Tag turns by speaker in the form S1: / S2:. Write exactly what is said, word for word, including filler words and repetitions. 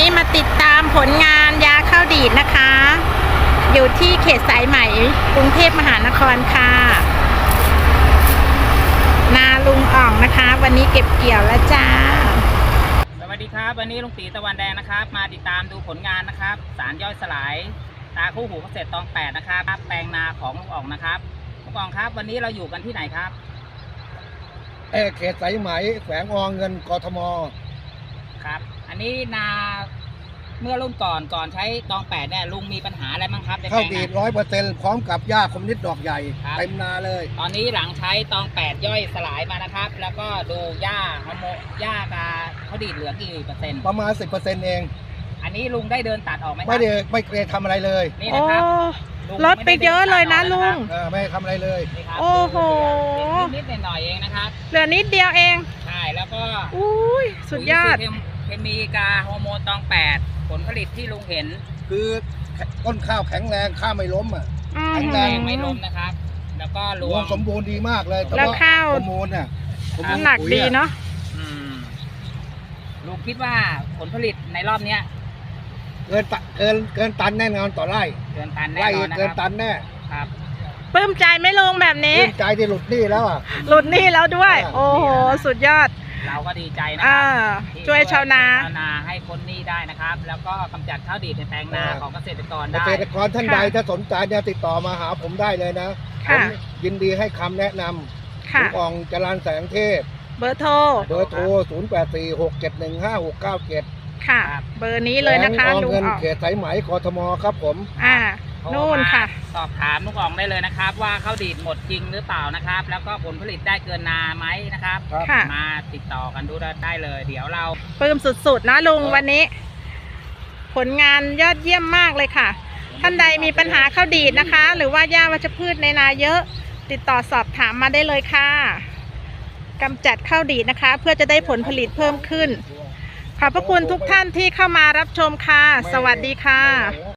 S1: นี้มาติดตามผลงานยาข้าวดีดนะคะ อยู่ที่เขตสายไหมกรุงเทพมหานครค่ะนาลุงอ่องนะคะวันนี้เก็บเกี่ยวแล้วจ้า
S2: สวัสดีครับวันนี้ลุงตีตะวันแดงนะครับมาติดตามดูผลงานนะครับสารย่อยสลายตาคู่หูเกษตรตองแปดนะครับแปลงนาของลุงอ่องนะครับลุงอ่องครับวันนี้เราอยู่กันที่ไหนครับ
S3: เขตสายไหมแขวงอเงินกทม
S2: ครับอันนี้นาเมื่อรุ่นก่อนก่อนใช้ตองแปดเนี่ยลุงมีปัญหาอะไรบ้างครับ
S3: ข้าวดีดร้อยเปอร์เซ็นต์พร้อมกับหญ้าคมนิดดอกใหญ่เต็มนาเลย
S2: ตอนนี้หลังใช้ตองแปดย่อยสลายมานะครับแล้วก็ดูหญ้าฮอร์โมนหญ้ากับเขาดีดเหลือกี่เปอร์เซ็นต์
S3: ประมาณสิบเปอร์เซ็นต์เอง
S2: อันนี้ลุงได้เดินตัดออกไหม
S3: ไม่ได้ไม่เคยทำอะไรเลย
S2: นี่นะครับ
S1: ลดไปเยอะเลยนะลุง
S3: ไม่ทำอะไรเลย
S1: โอ้โห
S2: นิดหน่อยเองนะครับ
S1: เหลือนิดเดียวเอง
S2: ใช่แล้วก็
S1: อุ้ยสุดยอด
S2: เคมีกาฮอร์โมนตองแปดผลผลิตที่ลุงเห็น
S3: คือต้นข้าวแข็งแรงข้าวไม่ล้มอ่ะ
S2: แข็งแรงไม่ล้มนะครับแล้วก็รวง
S3: สมบูรณ์ดีมากเลย
S1: แล้วข้าว
S3: ฮอร์โมนอ่ะ
S1: น้ำหนักดีเนาะ
S2: ลุงคิดว่าผลผลิตในรอบเนี้ย
S3: เกินเกินเกินตันแน่นอนต่อไร่
S2: เกินตันแน่นอนนะครับ
S3: เกินตันแน่
S2: ครับ
S1: ปลื้มใจไหมลุงแบบนี้
S3: ปลื้มใจที่หลุดหนี้แล้วอ่ะ
S1: หลุดหนี้แล้วด้วยโอ้โหสุดยอด
S2: เราก็ดีใจนะครับ
S1: ช่วยชาวนา
S2: ชาวนาให้พ้นหนี้ได้นะครับแล้วก็กำจัดข้าวดีดในแปลงนาของเกษตรกรได้
S3: เกษตรกรท่านใดถ้าสนใจเนี่ยติดต่อมาหาผมได้เลยนะผมยินดีให้คำแนะนำลุงอ่องจรัญแสงเทพ
S1: เบอร์โทร
S3: เบอร์โทรศูนย์ แปด สี่ หก เจ็ด หนึ่ง ห้า หก เก้า เจ็ด
S1: ค่ะเบอร์นี้เลยนะคะ
S3: ลุงอ่องเขตสายไหมกทมครับผม
S1: อ่านู่นค่ะ
S2: สอบถามลุงอ่องได้เลยนะครับว่าข้าวดีดหมดจริงหรือเปล่านะครับแล้วก็ผลผลิตได้เกินนาไหมนะครับมาติดต่อกันดูได้เลยเดี๋ยวเรา
S1: ปลื้มสุดๆนะลุงวันนี้ ผลงานยอดเยี่ยมมากเลยค่ะท่านใดมีปัญหาข้าวดีดนะคะหรือว่าหญ้าวัชพืชในนาเยอะติดต่อสอบถามมาได้เลยค่ะกำจัดข้าวดีดนะคะเพื่อจะได้ผลผลิตเพิ่มขึ้นขอบพระคุณทุกท่านที่เข้ามารับชมค่ะสวัสดีค่ะ